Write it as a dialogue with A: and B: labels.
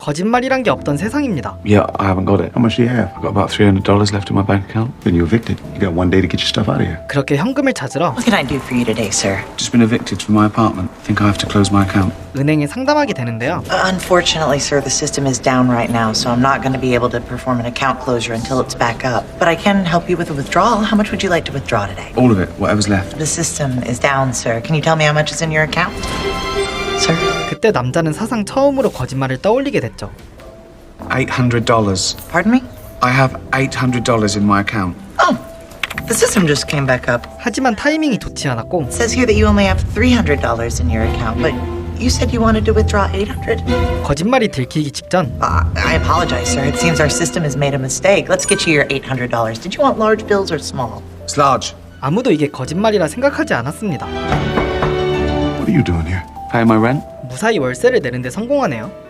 A: 거짓말이란 게 없던 세상입니다.
B: Yeah, I haven't got it.
C: How much do you have?
B: I've got about $300 left in my bank account.
C: Then you're evicted. You got one day to get your stuff out of here.
A: 그렇게 현금을 찾으러
D: What can I do for you today, sir?
B: Just been evicted from my apartment. Think I have to close my account.
A: 은행에 상담하게 되는데요.
D: Unfortunately, sir, the system is down right now, so I'm not going to be able to perform an account closure until it's back up. But I can help you with a withdrawal. How much would you like to withdraw today?
B: All of it, whatever's left.
D: The system is down, sir. Can you tell me how much is in your account? Sir?
A: 그때 남자는 사상 처음으로 거짓말을 떠올리게 됐죠.
B: $800.
D: Pardon me?
B: I have $800 in my account.
D: Oh, the system just came back up.
A: 하지만 타이밍이 좋지 않았고
D: It says here that you only have $300 in your account, but you said you wanted to withdraw $800?
A: 거짓말이 들키기 직전
D: I apologize, sir. It seems our system has made a mistake. Let's get you your $800. Did you want large bills or small?
B: It's large.
A: 아무도 이게 거짓말이라 생각하지 않았습니다.
C: What are you doing here?
B: Pay my rent.
A: 무사히 월세를 내는데 성공하네요.